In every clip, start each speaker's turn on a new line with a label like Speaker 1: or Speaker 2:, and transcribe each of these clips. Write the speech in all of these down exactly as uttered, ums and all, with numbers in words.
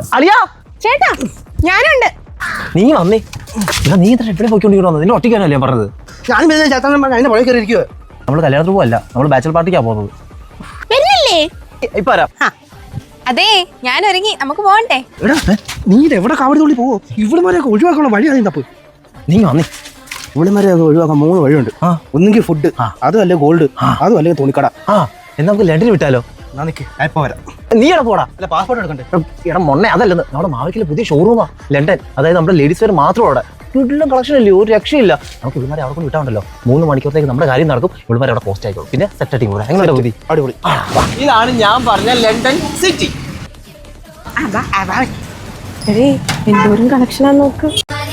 Speaker 1: അളിയാ
Speaker 2: ചേട്ടാ ഞാനുണ്ട്.
Speaker 1: നീ വന്നേ. നീ ഇത്ര എവിടെ പോയിക്കൊണ്ടിരിക്കണോ? നിന്നെ ഒറ്റയ്ക്കാനല്ലേ ഞാൻ പറഞ്ഞത്.
Speaker 3: ഞാൻ ചേട്ടൻ അതിന്റെ പുഴ കയറി ഇരിക്കുവോ?
Speaker 1: നമ്മള് കല്യാണത്തിന് പോവല്ല, നമ്മള് ബാച്ചലർ പാർട്ടിക്കാ പോകുന്നത്.
Speaker 2: വരുന്നില്ലേ?
Speaker 1: ഇപ്പൊ വരാം.
Speaker 2: അതെ ഞാൻ ഒരുങ്ങി, നമുക്ക് പോകണ്ടേ?
Speaker 3: എടാ നീ എവിടെ കാവടി തുള്ളി പോവോ? ഇവിടെമാരെയൊക്കെ ഒഴിവാക്കാനുള്ള വഴി അതിന് തപ്പ്.
Speaker 1: നീ വന്നേ.
Speaker 3: ഇവിടെമാരെയൊക്കെ ഒഴിവാക്കാൻ മൂന്ന് വഴിയുണ്ട്. ഒന്നെങ്കിൽ ഫുഡ്, അതും അല്ലെ ഗോൾഡ്, അതും അല്ലെങ്കിൽ തുണിക്കട.
Speaker 1: ആ എന്നാ നമുക്ക് ലണ്ടനിൽ വിട്ടാലോ?
Speaker 3: ഇപ്പൊ വരാം.
Speaker 1: നീ എവിടെ പോടാ?
Speaker 3: അല്ല പാസ്പോർട്ട് എടുക്കണ്ടേ?
Speaker 1: എടാ മൊണ്ണെ അതല്ലെന്ന്, നമ്മുടെ മാവിക്കിലെ പുതിയ ഷോറൂമാ ലണ്ടൻ. അതായത് നമ്മുടെ ലേഡീസ് വെയർ മാത്രം അവിടെ. വീട്ടിലും കളക്ഷൻ അല്ലേ, ഒരു രക്ഷയില്ല. നമുക്ക് ഇവന്മാരെ അവിടെ കൊണ്ട് വിട്ടാണ്ടല്ലോ, മൂന്ന് മണിക്കൂറത്തേക്ക് നമ്മുടെ കാര്യം നടക്കും. ഇവന്മാരെ അവിടെ പോസ്റ്റ് ആയിക്കോളും. പിന്നെ സെറ്റ് ആയിട്ട് കൂടെ എങ്ങനെ പുതി
Speaker 3: അടിപൊളി.
Speaker 1: ഇതാണ് ഞാൻ പറഞ്ഞ ലണ്ടൻ സിറ്റി.
Speaker 2: എന്തോരം കളക്ഷനാന്ന് നോക്ക്.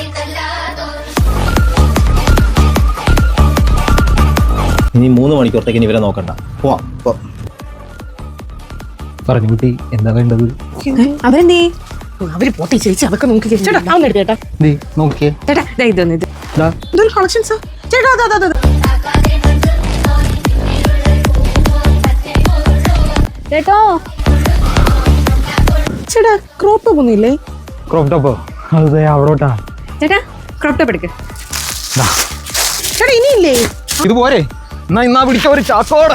Speaker 1: ഇനി മൂന്ന് മണിക്കൂറത്തേക്ക് ഇനി ഇവരെ നോക്കണ്ട.
Speaker 3: പോവാം.
Speaker 1: പറഞ്ഞു കുട്ടി എന്താ വേണ്ടത്?
Speaker 2: അവരെന്തേ?
Speaker 4: അവര് പോട്ടെ ചേച്ചി, അതൊക്കെ നോക്കി ചേട്ടാ. അവൻ എടുത്ത് ചേട്ടാ,
Speaker 1: നോക്കിയേ
Speaker 2: ചേട്ടാ ദേ ഇതൊന്ന് ഇത്
Speaker 4: ഇതൊരു കളക്ഷൻസാ ചേട്ടാ. അതാ അതാ
Speaker 2: ചേട്ടോ.
Speaker 4: ചേട്ടാ ക്രോപ്പ് ടോപ്പ് ഒന്നുമില്ലേ?
Speaker 1: ക്രോപ്പ് ടോപ്പ് അതെ അവിടോട്ടാ.
Speaker 2: ചേട്ടാ ക്രോപ്പ് ടോപ്പ് എടുക്ക്.
Speaker 4: ചേട്ടാ ഇനിയില്ലേ?
Speaker 1: ഇതുപോരെ എന്നാ ഇന്നാ പിടിക്ക ഒരു ചാക്കോടെ.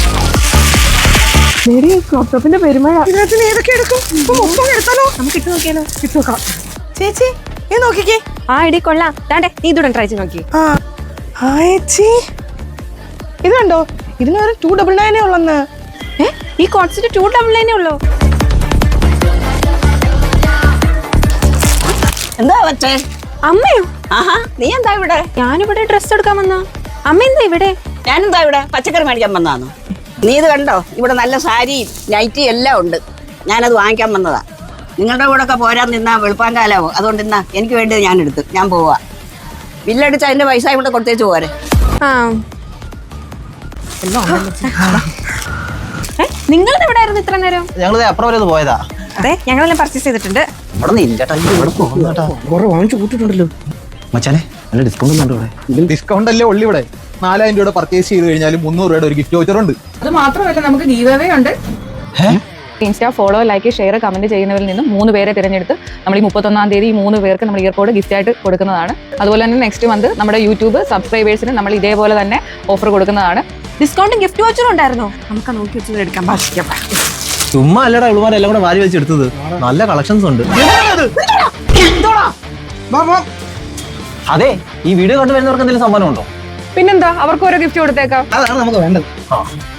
Speaker 4: ക്രോപ്പ് ടോപ്പിന്റെ പെരുമഴ. ഇതിനകത്ത് ഏതൊക്കെ എടുക്കും? മൊത്തം എടുത്താലോ? നമുക്ക് ഇട്ട് നോക്കിയാലോ? ഇട്ട് നോക്കാം. ചേച്ചി ഏ നോക്കിക്കേ.
Speaker 2: ആ ഇടി കൊള്ളാം. താണ്ടെ നീ ഇതൂടെ ട്രൈ ചെയ്ത് നോക്കി.
Speaker 4: ആ ചേച്ചി ഇത് കണ്ടോ? ഇതിന് ഒരു ടു ഡബിൾ നയനേ ഉള്ളന്ന്.
Speaker 2: ഏ ഈ കോട്സിന്റെ ടു ഡബിൾ നയനേ ഉള്ളൂ.
Speaker 5: എന്താ പറ്റേ?
Speaker 2: അമ്മയോ?
Speaker 5: ആഹാ നീ എന്താ ഇവിടെ?
Speaker 2: ഞാനിവിടെ ഡ്രസ് എടുക്കാൻ വന്നാ. അമ്മ എന്താ ഇവിടെ?
Speaker 5: ഞാനെന്താ ഇവിടെ പച്ചക്കറി മേടിക്കാൻ വന്നതാണോ? നീ ഇത് കണ്ടോ? ഇവിടെ നല്ല സാരിയും നൈറ്റിയും എല്ലാം ഉണ്ട്. ഞാനത് വാങ്ങിക്കാൻ വന്നതാ. നിങ്ങളുടെ കൂടെ ഒക്കെ പോരാൻ നിന്നാ വെളുപ്പാൻ കാലാവോ, അതുകൊണ്ട് ഇന്നാ എനിക്ക് വേണ്ടത് ഞാൻ എടുത്ത് ഞാൻ പോവാ. ബില്ലടിച്ച് അതിന്റെ പൈസ ഇവിടെ കൊടുത്തേച്ച് പോരെ.
Speaker 2: ആ നിങ്ങൾ ഇവിടെ ആയിരുന്നു ഇത്ര നേരം?
Speaker 1: ഞങ്ങളത് അപ്പുറം വരെ ഒന്ന് പോയതാ.
Speaker 2: അതെ ഞങ്ങളെല്ലാം പർച്ചേസ് ചെയ്തിട്ടുണ്ട്.
Speaker 1: ഇവിടെ നില്ലേട്ടാ, ഇവിടെ പോകുന്നേട്ടാ.
Speaker 3: കുറെ വാങ്ങിച്ചു കൂട്ടിട്ടുണ്ടല്ലോ
Speaker 1: മച്ചാനെ, നല്ല ഡിസ്കൗണ്ട് ഉണ്ട് ഇവിടെ.
Speaker 6: ഡിസ്കൗണ്ട് അല്ലേ ഉള്ളി ഇവിടെ. നാലായിരം രൂപയുടെ പർച്ചേസ് ചെയ്ത് കഴിഞ്ഞാൽ മുന്നൂറ് രൂപയുടെ ഒരു ഗിഫ്റ്റ് വൗച്ചർ ഉണ്ട്.
Speaker 7: അത് മാത്രമല്ല നമുക്ക് ഗീവ് അവേ ഉണ്ട്. Insta follow like share comment ചെയ്യുന്നവരിൽ നിന്നും മൂന്ന് പേരെ തിരഞ്ഞെടുത്ത് നമ്മൾ ഈ മുപ്പത്തൊന്നാം തീയതി ഈ മൂന്ന് പേർക്ക് നമ്മൾ ഇയർപോഡ് ഗിഫ്റ്റ് ആയിട്ട് കൊടുക്കുന്നതാണ്. അതുപോലെ തന്നെ നെക്സ്റ്റ് മന്ത് നമ്മുടെ യൂട്യൂബ് സബ്സ്ക്രൈബേഴ്സിന് നമ്മൾ ഇതേപോലെ തന്നെ ഓഫർ കൊടുക്കുന്നതാണ്.
Speaker 2: ഡിസ്കൗണ്ടും ഗിഫ്റ്റ് വൗച്ചറും ഉണ്ടായിരുന്നോ? നമുക്ക് നോക്കി വെച്ചത് എടുക്കാൻ ഭാഷിക്കാം.
Speaker 1: ചുമ്മാ അല്ലടാ ഇവളുമാരെല്ലാം കൂടെ വാരി വെച്ചെടുത്തത്. നല്ല കളക്ഷൻസ് ഉണ്ട്. അതെ ഈ വീഡിയോ കണ്ടു വരുന്നവർക്ക് എന്തെങ്കിലും സമ്മാനം ഉണ്ടോ?
Speaker 7: പിന്നെന്താ, അവർക്ക് ഓരോ ഗിഫ്റ്റ് കൊടുത്തേക്കാം.
Speaker 3: അതാണ് നമുക്ക് വേണ്ടത്.
Speaker 1: ആ